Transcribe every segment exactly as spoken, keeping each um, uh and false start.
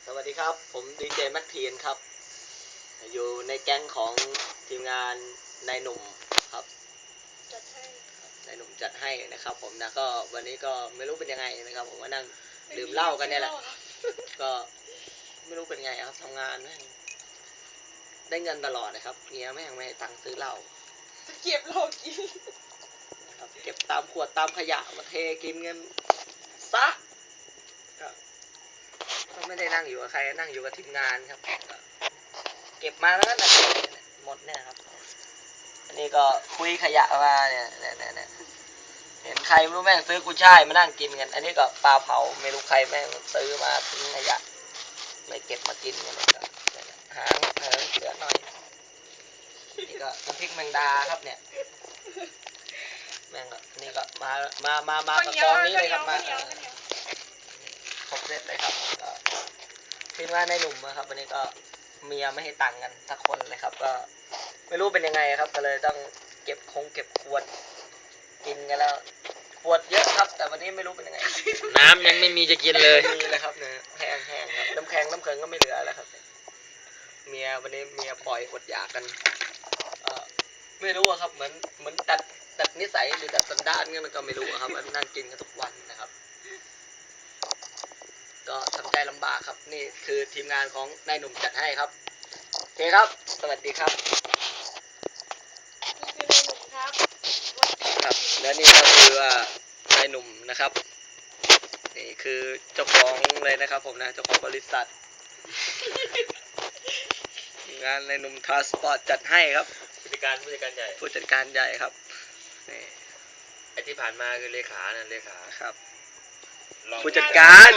สวัสดีครับผมดีเจแม็กทีนครับอยู่ในแก๊งของทีมงานนายหนุ่มครับจัดให้นายหนุ่มจัดให้นะครับผมนะก็วันนี้ก็ไม่รู้เป็นยังไงนะครับผมมานั่งดื่มเหล้ากันเนี่ยแหละก็ไม่รู้เป็นไงครับทำงานแม่งได้เงินตลอดนะครับเมียแม่งไม่ให้ตังค์ซื้อเหล้าจะเก็บเรากินนะครับเก็บตามขวดตามขยะมาเทกินเงินซะก็ไม่ได้นั่งอยู่กับใครนั่งอยู่กับทีมงานครับเก็บมาแล้วก็หมดเนี่ยครับอันนี้ก็คุยขยะมาเนี่ยเนี่ยเนี่ยเห็นใครไม่รู้แม่งซื้อกุยช่ายมานั่งกินกันอันนี้ก็ปลาเผาไม่รู้ใครแม่งซื้อมาทิ้งขยะเลยเก็บมากินกันเลยก็หางหางเสือหน่อยนี่ก็น้ำพริกแมงดาครับเนี่ยแม่งก็นี่ก็มามามามากับกองนี้เลยครับมาครบเซตเลยครับก็ทีมงานในหนุ่มนะครับวันนี้ก็เมียไม่ให้ตังค์กันสักคนเลยครับก็ไม่รู้เป็นยังไงครับก็เลยต้องเก็บคงเก็บขวดกินกันแล้วขวดเยอะครับแต่วันนี้ไม่รู้เป็นยังไงน้ำยังไม่มีจะกินเลยไม่มีเลยครับเนี่ยแห้งแห้งครับน้ำแข็งน้ำแข็งก็ไม่เหลือแล้วครับเมียวันนี้เมียปล่อยอดอยากกันเออไม่รู้ครับเหมือนเหมือนตัดตัดนิสัยหรือตัดสันดานกันก็ไม่รู้ครับมันนั่งกินกันทุกวันนะครับก็ทำใจลำบากครับนี่คือทีมงานของนายหนุ่มจัดให้ครับโอเคครับสวัสดีครับนี่คือนายหนุ่มครับครับและนี่ก็คือว่านายหนุ่มนะครับนี่คือเจ้าของเลยนะครับผมนะเจ้าของบริษัทงานนายหนุ่มทรานสปอร์ตจัดให้ครับผู้จัดการผู้จัดการใหญ่ผู้จัดการใหญ่ครับนี่ไอที่ผ่านมาคือเลขานะเลขาครับผู้จัดการ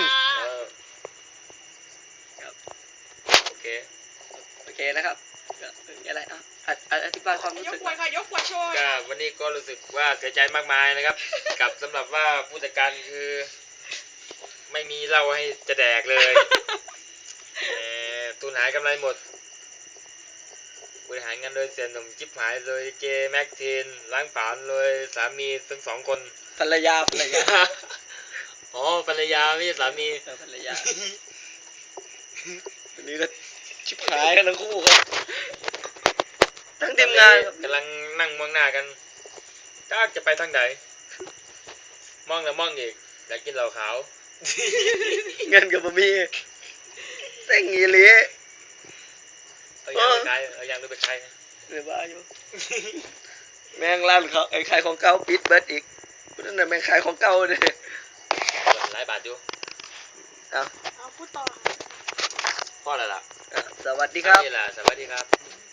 ครับโอเคโอเคนะครับอะไรอ่ะอธิบายความรู้สึกยกขวดค่ะยกขวดโชว์ก็วันนี้ก็รู้สึกว่าเสียใจมากมายนะครับ กับสำหรับว่าผู้จัดการคือไม่มีเหล้าให้จะแดกเลยตุนหายกำไรหมดบริหารงานโดยเสียหนุ่มจิ๊บหายโดยเจแม็กทีนล้างผลาญโดยสามีทั้งสองคนภรรยาภรรยาอ๋อภรรยาไม่ใช่สามีภรรยาวันนี้ก็ชิบหายกันทั้งคู่ครับทั้งทีมงานกำลังนั่งมองหน้ากันก็จะไปทางไหนมองแล้วมองอีกอยากกินเหล้าขาวเงินกับบะหมี่เส้งอีหลีเอาอย่างไปใครเอาอย่างไปใครหรือว่าอยู่แมงร้านเขาไอ้ขายของเก่าปิดเบิดอีกนั่นน่ะแมงขายของเก่าเลยหลายบาทอยู่เอาเอาพูดต่อพ่ออะไรล่ะสวัสดีครับนี่แหละสวัสดีครับ